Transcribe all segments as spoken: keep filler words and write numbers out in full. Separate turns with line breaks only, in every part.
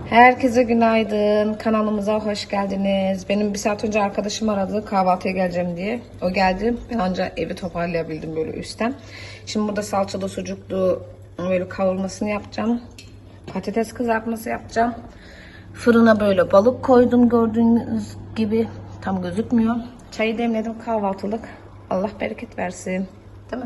Herkese günaydın. Kanalımıza hoş geldiniz. Benim bir saat önce arkadaşım aradı kahvaltıya geleceğim diye. O geldi. Ben ancak evi toparlayabildim böyle üstten. Şimdi burada salçalı sucuklu böyle kavurmasını yapacağım. Patates kızartması yapacağım. Fırına böyle balık koydum gördüğünüz gibi. Tam gözükmüyor. Çayı demledim, kahvaltılık. Allah bereket versin. Değil mi?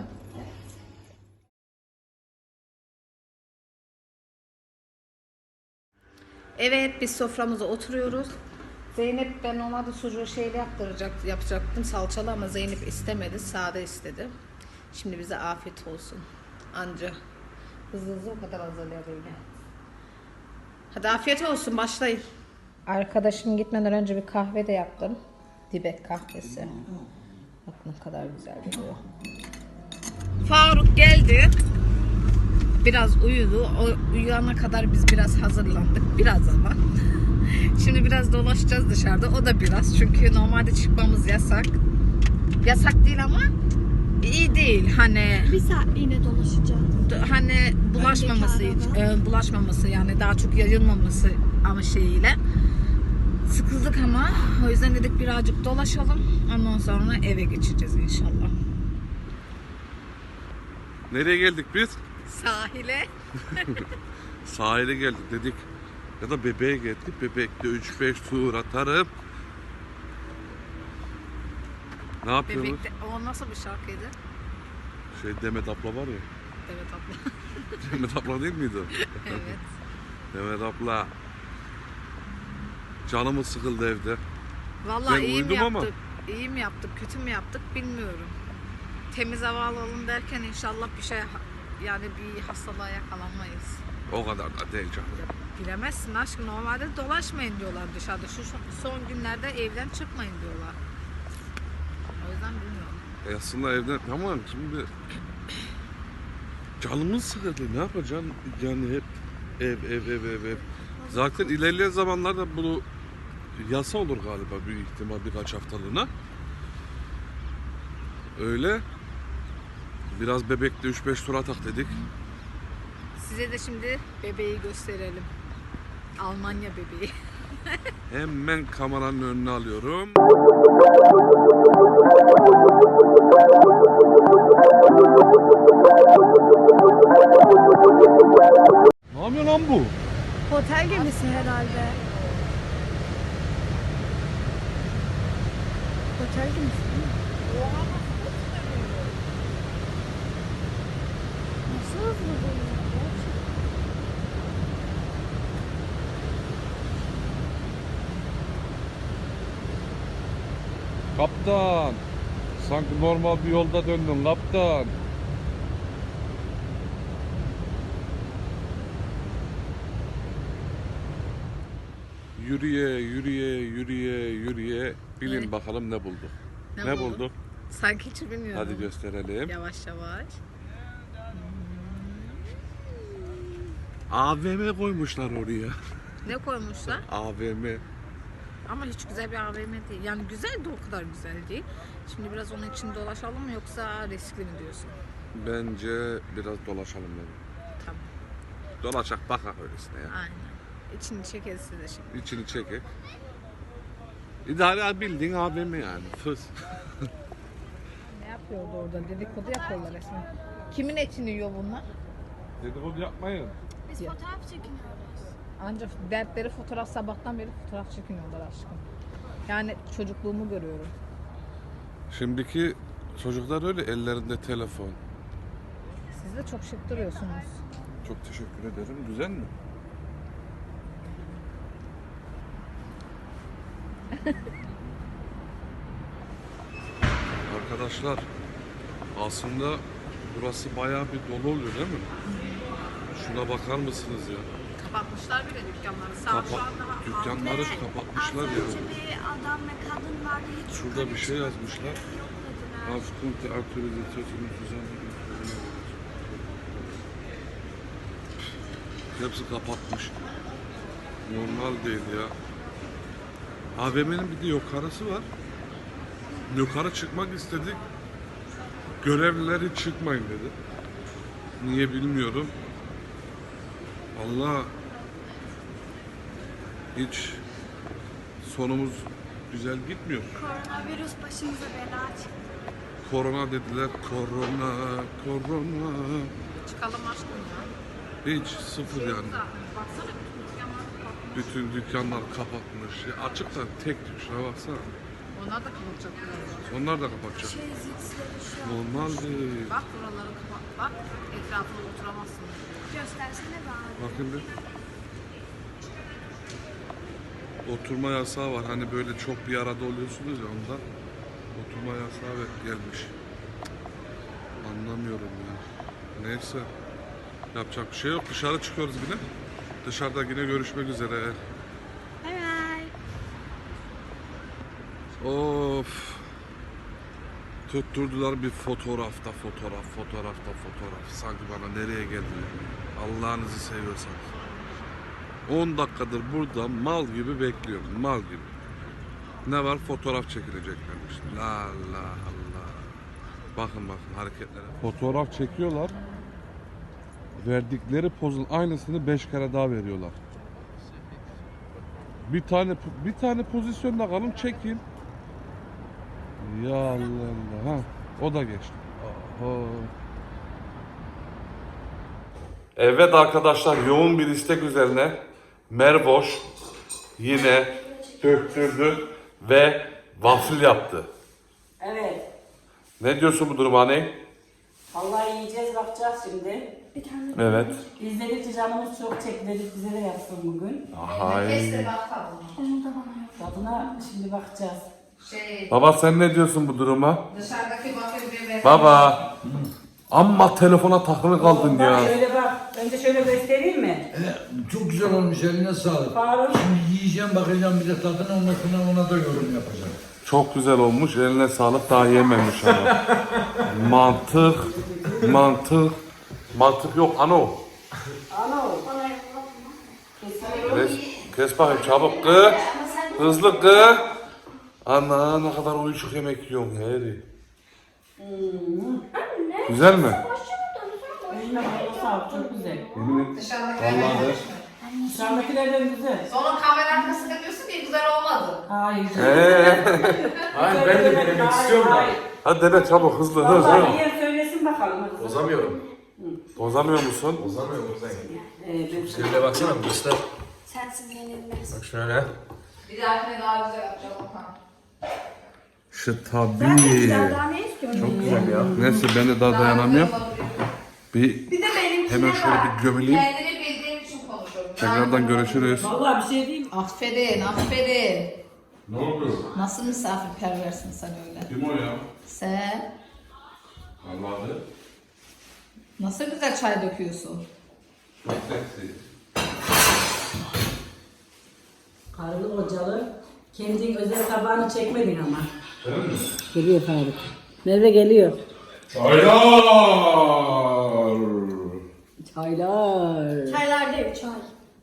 Evet, biz soframıza oturuyoruz. Zeynep, ben ona da sucuğu şeyle yaptıracak, yapacaktım salçalı ama Zeynep istemedi, sade istedi. Şimdi bize afiyet olsun. Anca hızlı hızlı o kadar hazırlayabildi. Hadi afiyet olsun, başlayın. Arkadaşım gitmeden önce bir kahve de yaptım. Dibek kahvesi. Bak ne kadar güzel gidiyor. Faruk geldi. Biraz uyudu. O uyuyana kadar biz biraz hazırlandık. Biraz ama. Şimdi biraz dolaşacağız dışarıda. O da biraz. Çünkü normalde çıkmamız yasak. Yasak değil ama iyi değil. Hani
bir saat yine dolaşacağız.
Hani bulaşmaması, e, bulaşmaması yani daha çok yayılmaması ama şeyiyle. Sıkıldık ama o yüzden dedik birazcık dolaşalım. Ondan sonra eve geçeceğiz inşallah.
Nereye geldik biz?
Sahile.
Sahile geldik dedik. Ya da bebeğe geldik. Bebekte üç beş tur atarım. Ne yapıyoruz?
Bebekte, o nasıl bir şarkıydı?
Şey Demet abla var ya.
Evet abla.
Demet abla değil miydi o?
Evet.
Demet abla. Canımız sıkıldı evde.
Vallahi
Ben
iyi mi
uyudum
yaptık?
ama.
İyi mi yaptık, kötü mü yaptık bilmiyorum. Temiz hava alalım derken inşallah bir şey yani bir hastalığa yakalanmayız.
O kadar da değil canım.
Bilemezsin aşkım, normalde dolaşmayın diyorlar dışarıda. Şu son günlerde evden çıkmayın diyorlar. O yüzden bilmiyorum.
E aslında evden tamam şimdi canımız sıkıldı. Ne yapacaksın? Yani hep ev ev ev ev ev. Zaten ilerleyen zamanlarda bunu yasa olur galiba büyük ihtimal birkaç haftalığına. Öyle. Biraz bebekte üç beş tur atak dedik.
Size de şimdi bebeği gösterelim. Almanya bebeği.
Hemen kameranın önüne alıyorum. Ne yapıyor lan bu?
Otel gemisi herhalde. Otel gemisi değil mi? Nasıl hızlı bu ya?
Kaptan. Sanki normal bir yolda döndün kaptan. Yürüye yürüye yürüye yürüye bilin
Evet.
bakalım ne bulduk.
Ne
Ne,
bulduk?
bulduk?
Sanki hiç bilmiyorum.
Hadi gösterelim.
Yavaş yavaş.
A V M koymuşlar oraya.
Ne koymuşlar?
A V M.
Ama hiç güzel bir A V M değil. Yani güzel de o kadar güzel değil. Şimdi biraz onun için dolaşalım mı yoksa riskli mi diyorsun?
Bence biraz dolaşalım dedim.
Tamam.
Dolaşak bakak öylesine ya.
Aynen. İçini çekeriz size şimdi.
İçini çekek. İdare bildiğin A V M yani. Fıs.
Ne yapıyordu orada? Dedikodu yapıyorlar resmen. Kimin etini yiyor bunlar?
Dedikodu yapmayın.
Biz fotoğraf çekiniyoruz.
Ancak dertleri fotoğraf, sabahtan beri fotoğraf çekiniyorlar aşkım. Yani çocukluğumu görüyorum.
Şimdiki çocuklar öyle ellerinde telefon.
Siz de çok şık duruyorsunuz.
Çok teşekkür ederim. Güzel mi? Arkadaşlar aslında burası bayağı bir dolu oluyor değil mi? Şuna bakar mısınız ya?
Kapatmışlar bile dükkanları. Saat şu
Kapa-
an daha
dükkanları
Evet,
kapatmışlar
az
ya.
önce bir adam ve kadın vardı. Hiç
Şurada
yukarı
bir şey
çıkmadı,
yazmışlar.
yok dediler.
Afkunte aktualizasyon düzenli. Hepsi kapatmış. Normal değil ya. A V M'nin bir de yukarısı var. Yukarı çıkmak istedik. Görevlileri çıkmayın dedi. Niye bilmiyorum. Allah hiç sonumuz güzel gitmiyor.
Koronavirüs başımıza bela çıktı.
Korona dediler, korona, korona.
Çıkalım aşkım ya.
Hiç sıfır yani.
Baksana bütün dükkanlar kapalı.
Bütün dükkanlar kapatmış. Ya açık da tek tük şuna baksana.
Onlar da kapatacak birazdan.
Onlar da kapatacak.
Şey zilsleri şu an.
Normal değil.
Bak buraları kapat. Bak etrafına oturamazsın.
Göstersene bana.
Bakın bir. Oturma yasağı var. Hani böyle çok bir arada oluyorsunuz ya ondan. Oturma yasağı gelmiş. Anlamıyorum ya. Neyse. Yapacak bir şey yok. Dışarı çıkıyoruz yine. Dışarıda yine görüşmek üzere.
Bay bay.
Of. Tutturdular bir fotoğrafta fotoğraf, fotoğrafta fotoğraf. Sanki bana nereye geldiler? Allah'ınızı seviyorsanız. on dakikadır burada mal gibi bekliyorum. Mal gibi. Ne var? Fotoğraf çekileceklermiş. La la Allah. Bakın bakın hareketlere. Fotoğraf çekiyorlar. Verdikleri pozun aynısını beş kere daha veriyorlar. Bir tane bir tane pozisyonda kalın çekin. Ya Allah Allah. Ha, o da geçti. Oho. Evet arkadaşlar, yoğun bir istek üzerine Mervoş yine döktürdü ve waffle yaptı.
Evet.
Ne diyorsun bu duruma anne?
Vallahi yiyeceğiz, bakacağız şimdi.
Evet.
Biz dedik canımız çok çekti dedik bize de yapsın bugün.
Hay.
Tadına şimdi bakacağız.
Şey,
Baba sen ne diyorsun bu duruma?
dışarıdaki bakır bir ver.
Baba. Amma telefona takılı kaldın
Bak
ya.
şöyle bak. Önce şöyle göstereyim mi?
Evet, çok güzel olmuş, eline sağlık.
Faruk.
Şimdi yiyeceğim, bakacağım bir de tadına, ondan sonra ona da yorum yapacağım.
Çok güzel olmuş. Eline sağlık. Daha yememiş ama. Mantık. Mantık. Mantık yok ano.
Ana o.
Kes, kes bakayım çabuk kı. Hızlı kı. Ana ne kadar uyuşuk yemek yiyorsun Harry. Güzel mi?
Eline bana sağlık, çok güzel.
Dışarıdakiler vermiş mi?
Dışarıdakilerden güzel.
Sonra kamera arkasında diyorsun ki güzel olmadı.
Hayır.
Ee,
Hayır, ben de denemek istiyorum da.
hadi dene çabuk hızlı hızlı.
Vallahi yiyen söylesin bakalım. hadi.
Bozamıyorum.
Bozamıyor musun?
Bozamıyorum sen.
Ee, ben
Şöyle baksana, göster.
Sensiz yenilmez.
Bak şöyle.
Bir dahakine daha güzel yapacağım Okan.
Şu tabii.
Daha ne istiyorsun?
Çok güzel ya.
Neyse ben de daha dayanamıyorum. Bir
Bir de benimkine
hemen şöyle bir gömüleyim.
Kendini bildiğim için konuşuyorum.
Tekrardan görüşürüz.
Vallahi bir şey değil.
Aferin, aferin.
Ne oldu?
Nasıl misafirperversin sen öyle?
Kim o ya?
Sen
Allah'ı.
nasıl güzel çay döküyorsun?
Çok seksi.
Karılı kocalı. Kendin özel tabağını çekmedin ama.
Öyle mi?
Geliyor Faruk. Merve geliyor.
Çaylar.
Çaylar.
Çaylar değil, çay.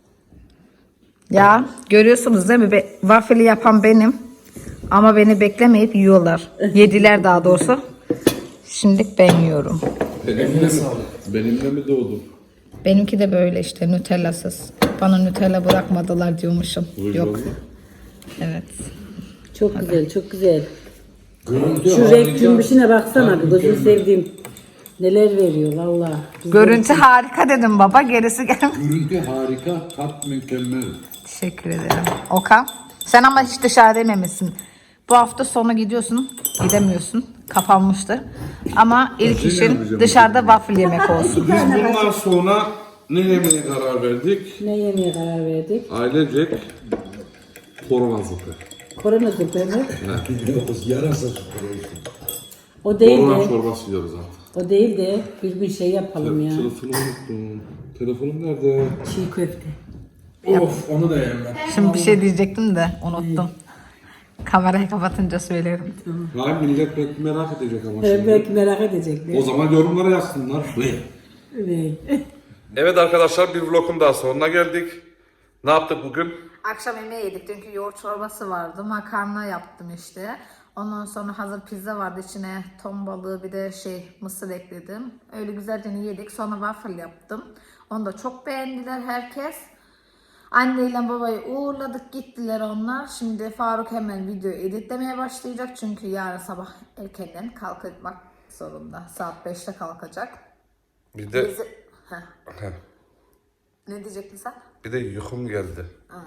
Ya görüyorsunuz değil mi? Be waffle'i yapan benim. Ama beni beklemeyip yiyorlar. Yediler daha doğrusu. Şimdi ben yiyorum.
Benimle mi, benimle mi doğdun?
Benimki de böyle işte Nutella'sız. Bana Nutella bırakmadılar diyormuşum. Yok. Evet.
Çok güzel, çok güzel.
Görüntü
Şu renk cümbüşüne baksana, bir gözünü sevdiğim. Neler veriyor valla.
Görüntü harika dedim baba. Gerisi gel.
Görüntü harika, tat mükemmel.
Teşekkür ederim. Okan. Sen ama hiç dışarı yememişsin. Bu hafta sonu gidiyorsun. Gidemiyorsun. Kapanmıştır. Ama ilk işin dışarıda waffle yemek olsun.
Biz bundan sonra ne yemeye karar verdik?
Ne yemeye karar verdik?
Ailecek korona zıpı.
Korona zıpı mı?
Yarasa süpürüyorsun.
O değil
Korona
de,
çorbası yiyoruz artık.
o değil de bir gün şey yapalım ya.
Telefonumu unuttum. Telefonum nerede?
Çiğ köfte.
Of, onu da yemem.
Şimdi bir şey diyecektim de unuttum. Kamerayı kapatınca söylerim.
Hayır millet pek merak edecek ama
Evet,
şimdi.
belki merak edecekler.
O zaman yorumlara yazsınlar.
Evet.
Evet arkadaşlar bir vlogun daha sonuna geldik. Ne yaptık bugün?
Akşam yemeği yedik. Dünkü yoğurt çorbası vardı. Makarna yaptım işte. Ondan sonra hazır pizza vardı. İçine ton balığı bir de şey mısır ekledim. Öyle güzelce yedik. Sonra waffle yaptım. Onu da çok beğendiler herkes. Anneyle babayı uğurladık, gittiler onlar. Şimdi Faruk hemen video editlemeye başlayacak. Çünkü yarın sabah erkenden kalkmak zorunda. Saat beşte kalkacak.
Bir de
Bizi... Heh.
Heh,
Ne diyecektin sen?
bir de yukum geldi.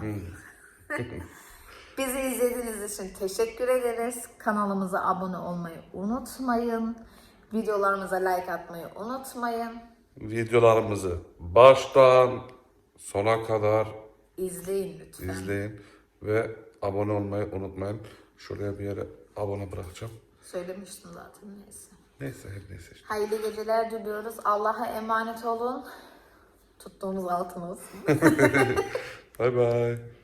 Bizi izlediğiniz için teşekkür ederiz. Kanalımıza abone olmayı unutmayın. Videolarımıza like atmayı unutmayın.
Videolarımızı baştan sona kadar
İzleyin lütfen.
izleyin ve abone olmayı unutmayın. Şuraya bir yere abone bırakacağım.
Söylemiştim zaten, neyse.
Neyse her neyse işte.
Hayırlı geceler diliyoruz. Allah'a emanet olun. Tuttuğumuz altın olsun.
Bay bay.